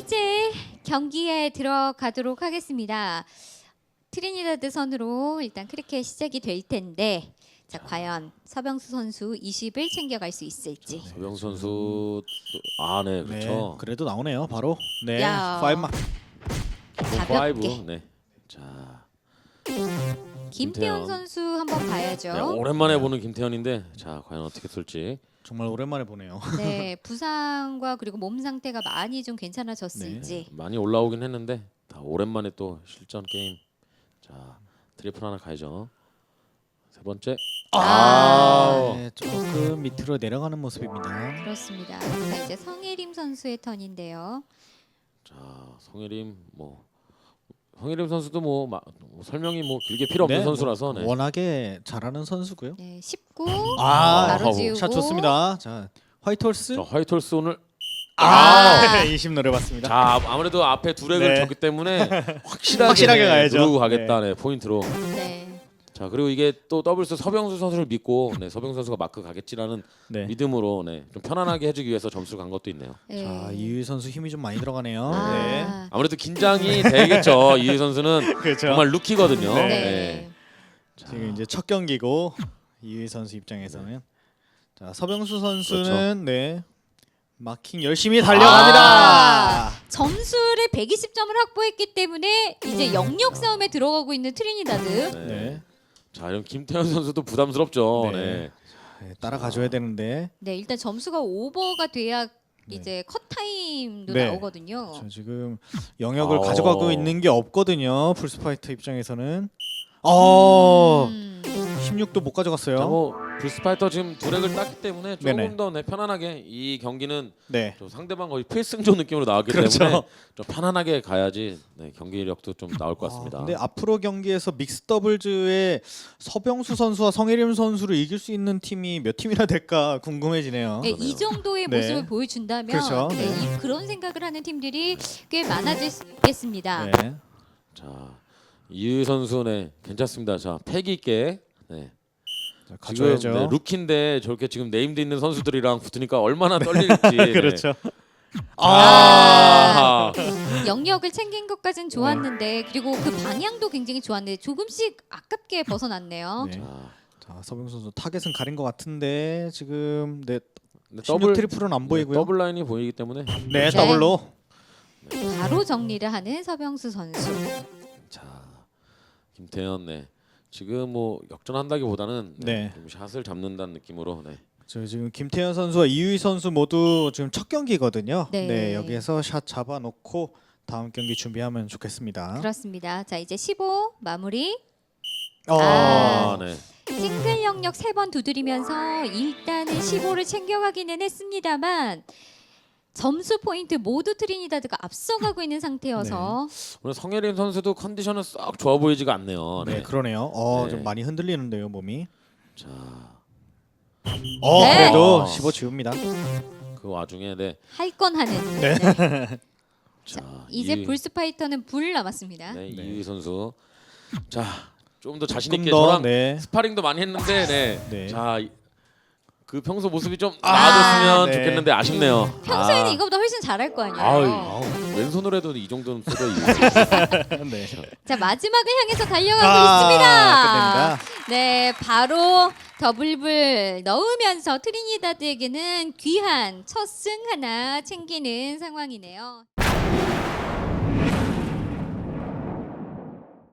이제 경기에 들어가도록 하겠습니다. 트리니다드 선으로 일단 크리켓 시작이 될 텐데 자 과연 서병수 선수 20을 챙겨갈 수 있을지. 서병수 선수 네 그렇죠. 네, 그래도 나오네요. 바로 네, 야. 5마. 가볍게. 네. 자, 김태현 김태현. 선수 한번 봐야죠. 네, 오랜만에 보는 김태현인데 자 과연 어떻게 쏠지. 정말 오랜만에 보네요. 네, 부상과 그리고 몸 상태가 많이 좀 괜찮아졌을지. 많이 올라오긴 했는데 다 오랜만에 또 실전 게임. 자 트리플 하나 가야죠. 세 번째. 네, 조금 밑으로 내려가는 모습입니다. 그렇습니다. 자, 이제 성예림 선수의 턴인데요. 자 성예림 성예림 선수도 설명이 길게 필요 없는 네, 선수라서 네. 워낙에 잘하는 선수고요. 네, 19 아, 바로 지우고 샷 좋습니다. 자, 화이트홀스. 자 화이트홀스 오늘 20 노려봤습니다. 자 아무래도 앞에 두 렉을 네. 졌기 때문에 확실하게, 확실하게 가야죠. 누르고 가겠다 네, 포인트로. 네. 자 그리고 이게 또 더블스 서병수 선수를 믿고 서병수 선수가 마크 가겠지라는 네. 믿음으로 좀 편안하게 해주기 위해서 점수를 간 것도 있네요. 네. 자, 이유희 선수 힘이 좀 많이 들어가네요. 네. 아, 아무래도 긴장이 되겠죠. 이희 선수는 그렇죠. 정말 루키거든요. 네. 네. 자, 지금 이제 첫 경기고 이유희 선수 입장에서는 자, 서병수 선수는 네. 마킹 열심히 달려갑니다. 점수를 120점을 확보했기 때문에 이제 영역 싸움에 들어가고 있는 트리니다드. 네. 네. 자 이런 김태현 선수도 부담스럽죠. 네. 네. 네, 따라가줘야 되는데 네, 일단 점수가 오버가 돼야 이제 컷 타임도 네. 나오거든요. 저 지금 영역을 아오. 가져가고 있는 게 없거든요. 풀스파이터 입장에서는 16도 못 가져갔어요. 자, 불스파이터 지금 두 렉을 땄기 때문에 조금 네네. 더 편안하게 이 경기는 네. 좀 상대방 거의 필승조 느낌으로 나왔기 그렇죠. 때문에 좀 편안하게 가야지 경기력도 좀 나올 것 같습니다. 근데 앞으로 경기에서 믹스 더블즈에 서병수 선수와 성혜림 선수를 이길 수 있는 팀이 몇 팀이나 될까 궁금해지네요. 네, 이 정도의 네. 모습을 보여준다면 그렇죠. 네, 네. 그런 생각을 하는 팀들이 꽤 많아질 수 있겠습니다. 네. 자 이유 선수 괜찮습니다. 자 패기 있게 자, 지금 가져야죠. 루키인데 저렇게 지금 네임드 있는 선수들이랑 붙으니까 얼마나 떨릴지. 그렇죠. 아. 영역을 챙긴 것까진 좋았는데 그리고 그 방향도 굉장히 좋았는데 조금씩 아깝게 벗어났네요. 네. 자, 자, 서병수 선수 타겟은 가린 것 같은데 지금 네, 근데 16 트리플은 안 보이고요. 더블 라인이 보이기 때문에 네, 더블로. 바로 정리를 하는 서병수 선수. 자 김태현 지금 역전한다기보다는 네. 좀 샷을 잡는다는 느낌으로 저 지금 김태현 선수와 이유희 선수 모두 지금 첫 경기거든요. 네. 네, 여기에서 샷 잡아놓고 다음 경기 준비하면 좋겠습니다. 그렇습니다. 자 이제 15 마무리. 아, 네. 싱글 영역 3번 두드리면서 일단은 15를 챙겨가기는 했습니다만 점수 포인트 모두 트리니다드가 앞서가고 있는 상태여서 오늘 성예림 선수도 컨디션은 썩 좋아 보이지가 않네요. 네, 네. 그러네요. 네. 좀 많이 흔들리는데요, 몸이. 자, 네. 그래도 15 지웁니다. 그 와중에 할 건 하는. 네. 자, 이제 불스파이터는 불 남았습니다. 네, 네. 이유희 선수. 자, 좀 더 자신 조금 있게 더, 저랑 네. 스파링도 많이 했는데 네. 자, 그 평소 모습이 좀 나아졌으면 네. 좋겠는데 아쉽네요. 평소에는 아. 이거보다 훨씬 잘할 거 아유, 아니에요. 왼손으로 해도 이 정도는 써도 네. 자 마지막을 향해서 달려가고 끝냅니다. 있습니다. 네, 바로 더블불 넣으면서 트리니다드에게는 귀한 첫 승 하나 챙기는 상황이네요.